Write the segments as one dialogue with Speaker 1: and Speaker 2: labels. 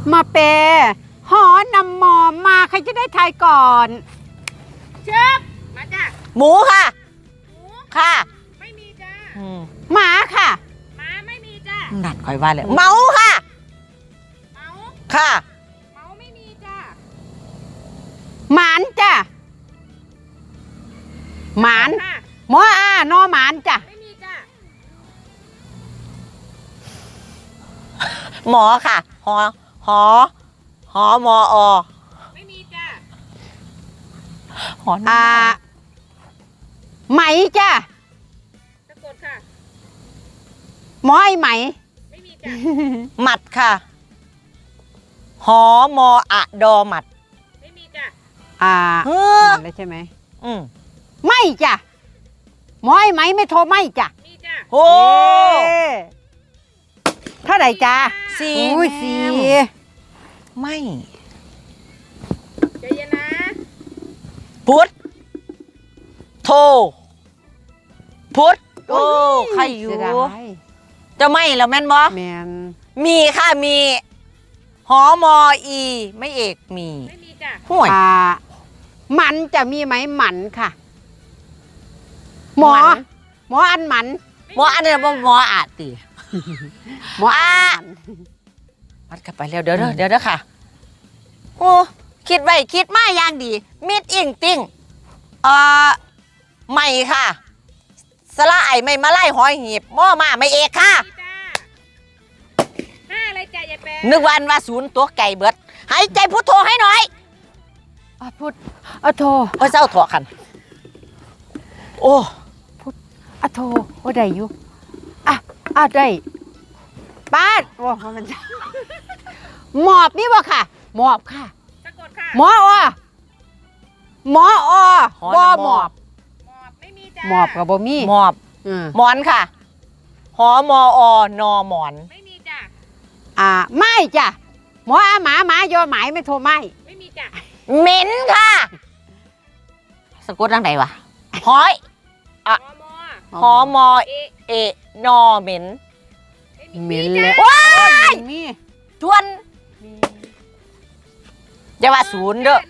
Speaker 1: มาเปหอนำมอมาใครจะได้ทายก่อน
Speaker 2: เชิบมาจ้ะ
Speaker 3: หมูค่ะ
Speaker 2: หมู
Speaker 3: ค่ะ
Speaker 2: ไม่มีจ้า
Speaker 1: หมาค่ะ
Speaker 2: หมาไม่มีจ้า
Speaker 3: นัดคอยว่าเลยเมาค่ะ
Speaker 2: เมา
Speaker 3: ค่ะ
Speaker 2: เมาไม่มีจ้า
Speaker 1: หมานจ้ะหมานหมอนอหมานจ้ะ
Speaker 2: ไม่มีจ้า
Speaker 3: หมอค่ะหอมอ
Speaker 2: ไม่มีจ้า
Speaker 3: หอ
Speaker 1: ไหมจ้ะ
Speaker 2: สะกดค่ะ
Speaker 1: หมอไอไหม
Speaker 2: ไม่มีจ้า
Speaker 3: หมัดค่ะหอมออะดอหมัด
Speaker 2: ไม่มีจ้า
Speaker 1: ได้ใช่ไหม
Speaker 3: ไม่
Speaker 1: จ้ะหมอไอไหมไม่โทรไม่จ้ะ
Speaker 2: มีจ้า
Speaker 3: โอ้
Speaker 1: เท่าไหร่จ้า
Speaker 3: สี่ไม่
Speaker 2: ใจเย็นนะ
Speaker 3: พุทธโทพุทธโอ้ใครอยู่จะไม่แล้วแม่นบอ
Speaker 1: แมน
Speaker 3: มีค่ะมีหอมออีไม่เอกมี
Speaker 2: ไม่มีจ้ะ
Speaker 3: ห่วย
Speaker 1: มันจะมีไหมหมันค่ะหมออันหมัน
Speaker 3: หมออันนี้หมออาตี
Speaker 1: หมอ
Speaker 3: มัดกลับไปแล้วเดี๋ยวค่ะโอ้คิดไว้คิดมาอย่างดีมิดอิงติ้งไม่ค่ะสละไอไม่มาไล่หอยหีบหม้อมาไม่เอกค่ะ
Speaker 2: ห้าอะไรจ้ะยายแป
Speaker 3: นึกวันว่าศูนย์ตัวไก่เบิดหายใจพุทโธให้หน่อย
Speaker 1: พุทโธ
Speaker 3: เจ้าถอกันโอ้
Speaker 1: พุทโธได้อยู่ได้ป้าดว่ามันหมอบนี่วะค่ะหมอบค่ะ
Speaker 2: สะกดค่ะ
Speaker 1: หมอหมอบ
Speaker 2: ไม่มีจ้ะ
Speaker 1: หมอบกับบ่มี
Speaker 3: หมอบหมอนค่ะหอมอนอหมอน
Speaker 2: ไม่มีจ้ะ
Speaker 1: ไม่จ้ะหมอหมายอหมายไม่โทรไม่
Speaker 2: มีจ้ะ
Speaker 3: เหม็นค่ะสะกดทางไหนวะหอยหอมอเอนอเหม็น
Speaker 1: แล้ว
Speaker 3: ว้ายชวนอย่าว่าศูนย์เด้อ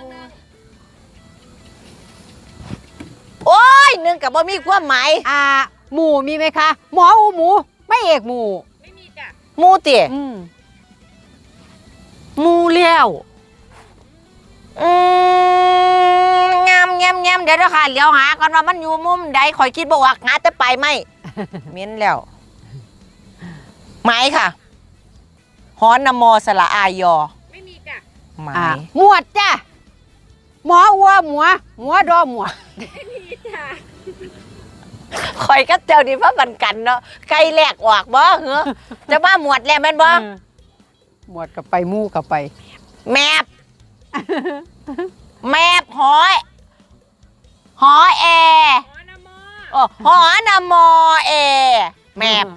Speaker 3: โอ้ยนึงกับบ่มีความหมาย
Speaker 1: หมูมีไหมคะหมอหมูไม่เอกหมู
Speaker 2: ไม่มีจ้ะ
Speaker 3: หมูเตี๋ยหมูเลี้ยวงามเดี๋ยวค่ะเลี้ยวหาก่อนว่ามันอยู่มุมใดคอยคิดบอกว่าหาแต่ไปไม่เม้นแล้วไม้ค่ะฮอนนโมสละอายอ
Speaker 2: ไม่มีจ้ะ
Speaker 3: ไม้
Speaker 1: หมวดจ้ะหมอวัวหมัวดอหมวด
Speaker 2: ไม่มีจ้ะ
Speaker 3: คอยก็เจ้าดีเพราะบันกันเนาะไก่แหลกออกบ่เหรอจะมาหมวดแล้วแม่นบ่
Speaker 1: หมวดกับไปมู่กับไป
Speaker 3: แมบหอยหอแอหอนโมเอแมบ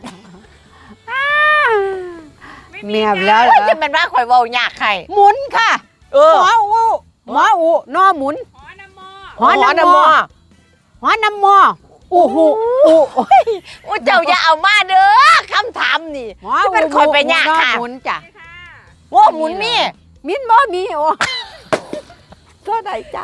Speaker 1: แมบแล้ว
Speaker 3: จะเป็นว่าคอยเว้ายากใคร
Speaker 1: หมุนค่ะหมออูนอหมุนหอนโมอู้หู
Speaker 3: เจ้าอย่าเอามาเด้อคำถามนี่จะเป็นคอยไปยากค่ะ
Speaker 1: หมุนจ้ะ
Speaker 3: ว่าหมุนมี
Speaker 1: มิ้นบ่มีโอ้เท่าไหร่จ้ะ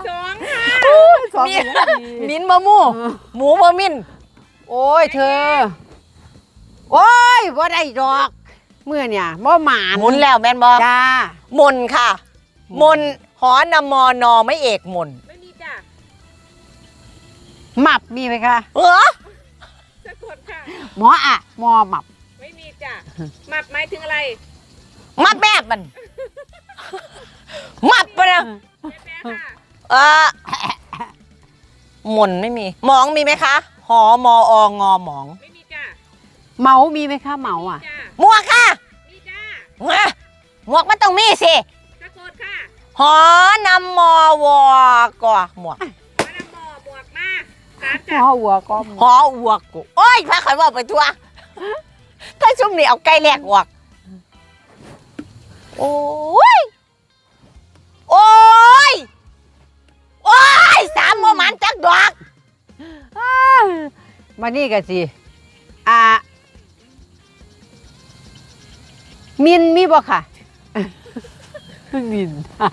Speaker 3: มิ้นบ่หมูบ่มิ้น
Speaker 1: โอ้ยเธอโอ้ยบ่ได้ดอกเมื่อเนี่ยบ่หมาน
Speaker 3: หมุนแล้วแม่นบ่
Speaker 1: จ้
Speaker 3: ามนค่ะมนหอนมอนอไม่เอกมน
Speaker 2: ไม่มีจ้ะ
Speaker 1: หมับมีไหมคะ
Speaker 2: สะกดค่ะ
Speaker 1: หมอหมับ
Speaker 2: ไม่มีจ้ะหมับหมายถึงอะไร
Speaker 3: มัดแบบมันมัดไปนะหมุนไม่มีหมองมีไหมคะหอมองอหมอง
Speaker 2: ไม่มีจ้ะ
Speaker 1: เมามีไหมคะเมา
Speaker 3: หมวกค่ะ
Speaker 2: มีจ้ะ
Speaker 3: หมวกมันต้องมีสิ
Speaker 2: สะกดค่ะ
Speaker 3: หอนำมอวอกอหมวก
Speaker 2: หอนำมอหมวกมา
Speaker 1: หอวัวก็
Speaker 3: หอวัวกูโอ้ยพาข่อยว่าไปทั่วถ้าชุ่มนี่เอาไก่แหลกออกโอ้ยสามโมมันจักดอก
Speaker 1: มานี่กันสิมินมีบ่ค่ะมิน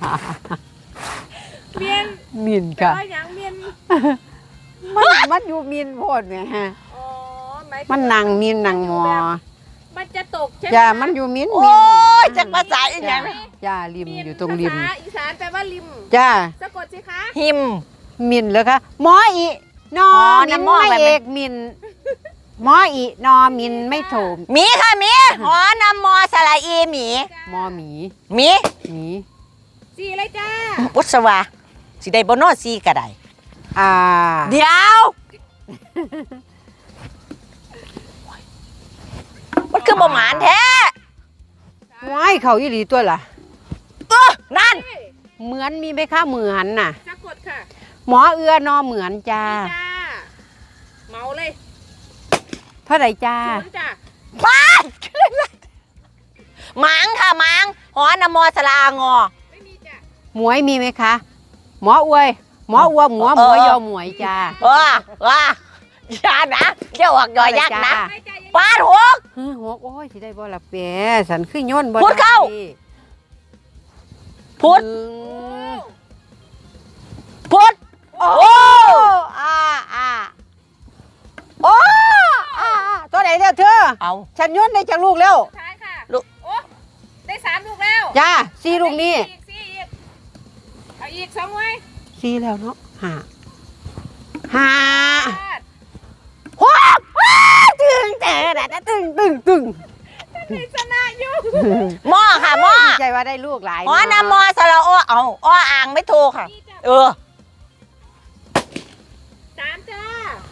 Speaker 2: เมียน
Speaker 1: มิน
Speaker 2: แต่
Speaker 1: ค่ะ
Speaker 2: ว่าอย่างเมียน
Speaker 1: มันอยู่มินโพดแหมฮะ
Speaker 2: อ๋อหมายถึง
Speaker 1: มันนั่งมินนั่งหมอ
Speaker 2: มันจะตกใช่ไหม
Speaker 1: จ้ามันอยู่มิน
Speaker 3: โอ้
Speaker 1: มิน
Speaker 3: ยจักภาษาอีหยัง
Speaker 1: จ้าริมอยู่ตรงริม
Speaker 2: ภาษาอีสานแปลว่าริม
Speaker 1: จ้า
Speaker 2: สะกดสิคะ
Speaker 3: หิม
Speaker 1: มินเลยค่ะหมออีนอ
Speaker 3: อ๋อ
Speaker 1: มิน
Speaker 3: น้ำหม้อ
Speaker 1: ไม่
Speaker 3: แบบ
Speaker 1: เอ
Speaker 3: นี้
Speaker 1: กมินหมออีนอมินไม่โถม
Speaker 3: หมีค่ะหมีหอนำมอสระอีหมี
Speaker 1: หมอหมี
Speaker 3: หมี
Speaker 1: หมี
Speaker 2: สีอะไรจ้า
Speaker 3: อุศวาสิได้บ่นอซีก็ได้
Speaker 1: อ่า
Speaker 3: เดี๋ยวมันคือบ่หมานแท้
Speaker 1: ว้ายเขาอีหลีตัวล่ะ
Speaker 3: นั่น
Speaker 1: เหมือนมีไหมคะเหมือนน่ะ
Speaker 2: สะกดค่ะ
Speaker 1: หมอเอื้อนอเหมือนจ้า
Speaker 2: นี่จ้าเมาเลย
Speaker 1: เท่าไหร่จ้า
Speaker 2: ศูนย์จ้า
Speaker 3: ป้าดหมางค่ะหมางหอนำมอสระอางอ
Speaker 2: ไม่มีจ้า
Speaker 1: หมวยมีไหมคะ หมออวย หมออวหมวหมวยอหมวยจ้า
Speaker 3: ว้าอย่านะเดี๋ยวออกยอยักษ์นะ
Speaker 2: ไม่จ้ายัง
Speaker 3: ป้าดหก
Speaker 1: ฮึหกโอ้ยสิได้บ่ละเปียสันขึ้นย่นบ่
Speaker 3: พูดเข้า
Speaker 1: ไ
Speaker 3: พุด
Speaker 1: หนึ่ง
Speaker 3: พุด
Speaker 1: โอ้
Speaker 3: โอ้
Speaker 1: อ่าโอ้ตัวไหนเร็วเธอ
Speaker 3: เอา
Speaker 1: ฉันย่นได้จากลูกแล้ว
Speaker 2: สุดท้ายค่ะ
Speaker 3: ลูก
Speaker 2: โอ้ได้3 ลูกแล้ว
Speaker 1: จ้าสี่ลูกนี่
Speaker 2: อีกเอาอีก2ไว้
Speaker 1: สี่แล้วเนาะห้า
Speaker 2: พลาด
Speaker 1: หกตึงแต่ตึง
Speaker 2: ไม่ชนะอยู่
Speaker 3: หม้อค่ะหม้อ
Speaker 1: ดีใจว่าได้ลูกหลาย
Speaker 3: หอนำมอสระโอเอาอ้ออ่างไม่ถูกค่ะ
Speaker 2: นี่จ้า
Speaker 3: เออ
Speaker 2: 3จ้า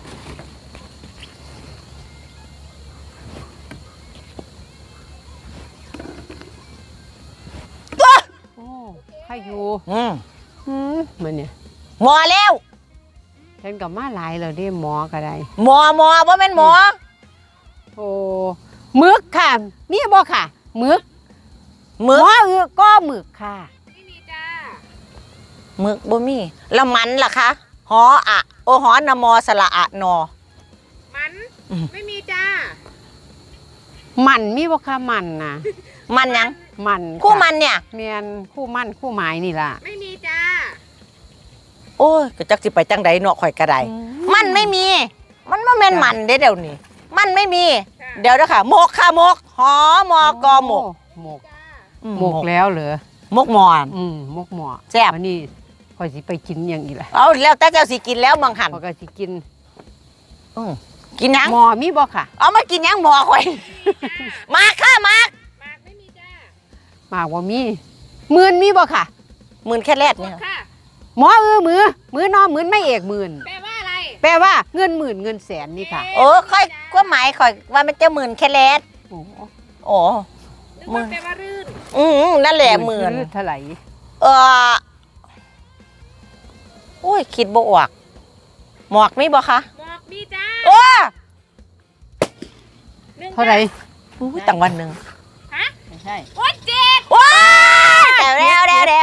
Speaker 1: โอ้ใครอยู่ มันเนี่ย
Speaker 3: หมอแล้ว
Speaker 1: ฉันกับมาหลายแล้วเด้หมอก็ได้
Speaker 3: หมอว่าเป็นหมอ
Speaker 1: โอ้หมึกค่ะมีบ่ค่ะหมึก
Speaker 3: มึก
Speaker 1: หมอก็หมึกค่ะ
Speaker 2: ไม่มีจ้า
Speaker 3: มึกบ่มีแล้วมันล่ะคะหออะโอหอนำมอสระอะนอ
Speaker 2: มัน
Speaker 3: อืม
Speaker 2: ไม่มีจ้า
Speaker 1: มันมีบ่ค่ะมันนะ
Speaker 3: มันยัง
Speaker 1: มัน
Speaker 3: คู่มันเนี่ย
Speaker 1: เมียนคู่มันคู่หมายนี่ล่ะ
Speaker 2: ไม่มีจ้า
Speaker 3: โอ้ยก็จักสิไปจังใดเนาะข่อยกระไดมันไม่มี มันบ่แม่นมันเด้เดี๋ยวนี้มันไม่มี
Speaker 2: ค่ะ
Speaker 3: เดี๋ยวเด้อค่ะหมกค่ะหมกหอมอกอหมก
Speaker 1: หมก
Speaker 2: จ้า
Speaker 1: หมกแล้วเหรอ
Speaker 3: หมกหมอน
Speaker 1: หมกหมอ
Speaker 3: แซ่บ
Speaker 1: วันนี้คอยสิไปกินอย่างอีกล่ะ
Speaker 3: เอาแล้วแต่เจ้าสิกินแล้วบางหัน
Speaker 1: พอยก็สิกิน
Speaker 3: กินยัง
Speaker 1: หมอมีบ่ค่ะ
Speaker 3: เอามากินยังหมอข่อย มาค่ะมาก
Speaker 2: มากไม่มีจ้า
Speaker 1: หมากว่ามีหมื่นมีบ่ค่ะ
Speaker 3: หมื่นแค่แรก
Speaker 2: ก
Speaker 3: เนี่ย
Speaker 2: ดค่ะ
Speaker 1: หมอมือนอหมื่นไม่เอกหมื่น
Speaker 2: แปลว่าอะไร
Speaker 1: แปลว่าเงินหมื่นเงินแสนนี่ค่ะ
Speaker 3: โอ้ค่อยก็หมายข่อยว่ามันจะหมื่นแค่แรก
Speaker 1: โอ้
Speaker 3: โอ้
Speaker 2: นึกว่าแปลว่ารื่น
Speaker 3: นั่นแหละหมื่น
Speaker 1: เท่าไหร่
Speaker 3: เออโอ้ยคิดบ่ออกหมอกมีบ่คะ
Speaker 2: หมอกมีจ้า
Speaker 3: โอ้
Speaker 2: หนึ่ง
Speaker 1: เท่าไหร่
Speaker 3: ตั้งวันหนึ่ง
Speaker 2: ฮะ
Speaker 1: ไม่ใช่
Speaker 2: โอ้ยเจ็ด
Speaker 3: ว้าเร็ว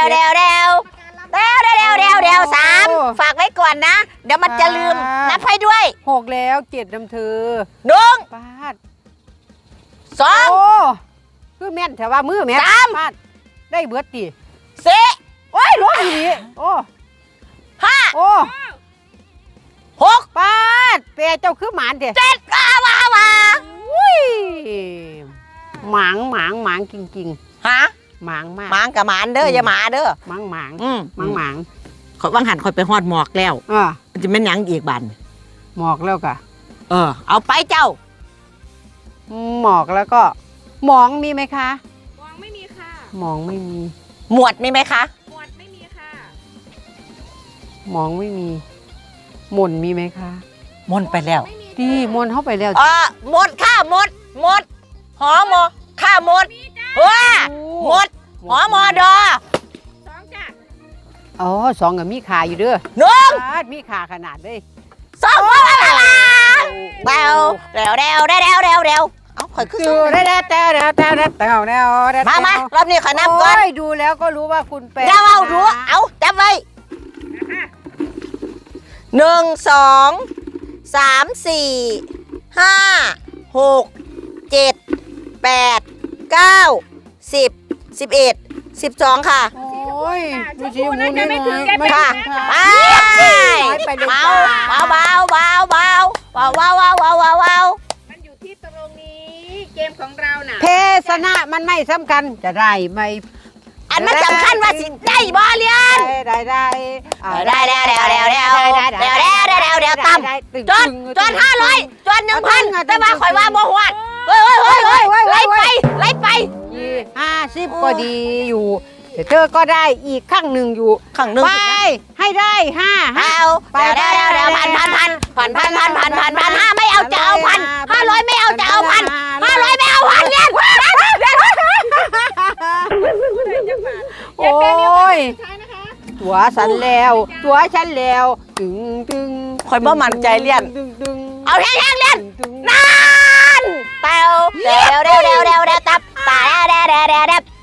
Speaker 3: สามฝากไว้ก่อนนะ เดี๋ยวมันจะลืม นับให้ด้วย
Speaker 1: หกแล้วเจ็ดน้ำเธอ
Speaker 3: หนึ่ง
Speaker 1: ปาด
Speaker 3: สอง
Speaker 1: โอ้คือแม่นแต่ว่ามือแม่น
Speaker 3: สาม
Speaker 1: ปาดได้เบิดติ
Speaker 3: สี่
Speaker 1: โอ้ยร้อยอยู่นี่โอ้
Speaker 3: ห้า
Speaker 1: โอ้
Speaker 3: หก
Speaker 1: ปาดเปรเจ้าคือหมานเด้
Speaker 3: เจ็ดว้า
Speaker 1: อุ้ยหมางจริง
Speaker 3: ฮะ
Speaker 1: ๆหมางมาก
Speaker 3: หมางกับหมานเด้ออย่าหมาเด้อ
Speaker 1: หมาง
Speaker 3: อืม
Speaker 1: หมาง
Speaker 3: ขอยว่างหันคอยไปฮอดหมอกแล้ว
Speaker 1: อ่า
Speaker 3: มันจะเป็นหยังอีกบัน
Speaker 1: หมอกแล้วกะ
Speaker 3: เอาไปเจ้า
Speaker 1: หมอกแล้วก็หมองมีไหมคะ
Speaker 2: มองไม่มีค่ะ
Speaker 1: หมองไม่มี
Speaker 3: หมวดมีไหมคะ
Speaker 2: หมวดไม่มีค่ะ
Speaker 1: หมองไม่มีหม่นมีไหมคะ
Speaker 3: มนไปแล้ว
Speaker 2: ไม่มี
Speaker 1: ดีมนเข้าไปแล้ว
Speaker 3: หมดค่ะหมดหอหมอค่ะหมด
Speaker 2: มีจ้า
Speaker 3: ว้าหมดหอมอดอ
Speaker 2: สองจ้า
Speaker 1: อ๋อสองกับมีขาอยู่เด้อ
Speaker 3: หนึ่ง
Speaker 1: ปาดมีขาขนาดเลย
Speaker 3: สองเบาเร็วเอาข่อยคือ
Speaker 1: ดูได้แต่
Speaker 3: มารอบนี้ข่อยนับก่อน
Speaker 1: โอ้ยดูแล้วก็รู้ว่าคุณเป็น
Speaker 3: เดี๋ยวเอาดูเอาจับไว้
Speaker 2: นะคะ
Speaker 3: 1 2 3 4 5 6 7 8 9 10 11 12 ค่ะ
Speaker 1: โอ้ย
Speaker 2: ชมพูน่าจะไม่ถึงแก
Speaker 1: ไม่
Speaker 2: ค่ะ
Speaker 1: ถึง
Speaker 3: ไป
Speaker 1: ไปเลย
Speaker 3: เบา
Speaker 1: ค่ะ
Speaker 3: เบาเบาเบาเบาเบาเบาเบาเบาเบา
Speaker 2: มันอยู่ที่ตรงนี้ เกมของเราน่ะ
Speaker 1: เพศนะมันไม่สำคัญจะได้ไม่
Speaker 3: อันมันสำคัญว่าสิได้บ่เรียน
Speaker 1: ได้ได้
Speaker 3: ได้ต่ำจน500จน1,000แต่ว่าข่อยว่าบ่ฮวดเฮ้ยไล่ไป
Speaker 1: 50ก็ดีอยู่แต่เธอก็ได้อีกข้างหนึ่งอยู่
Speaker 3: ข้างหนึง
Speaker 1: ไปให้ได้5
Speaker 3: เอาพัน5ไม่เอาจะเอาพัน500ไม่เอาจะเอาพัน500ไม่เอาพันเรียน
Speaker 1: โอ้ย
Speaker 2: ใช่นะคะ
Speaker 1: ตัวฉันแล้วตึง
Speaker 3: ข่อยบ่มั่นใจเรียน
Speaker 1: ตึง
Speaker 3: เอาแห้งๆเรียน
Speaker 1: ตึง
Speaker 3: นั่นเร็วตับตา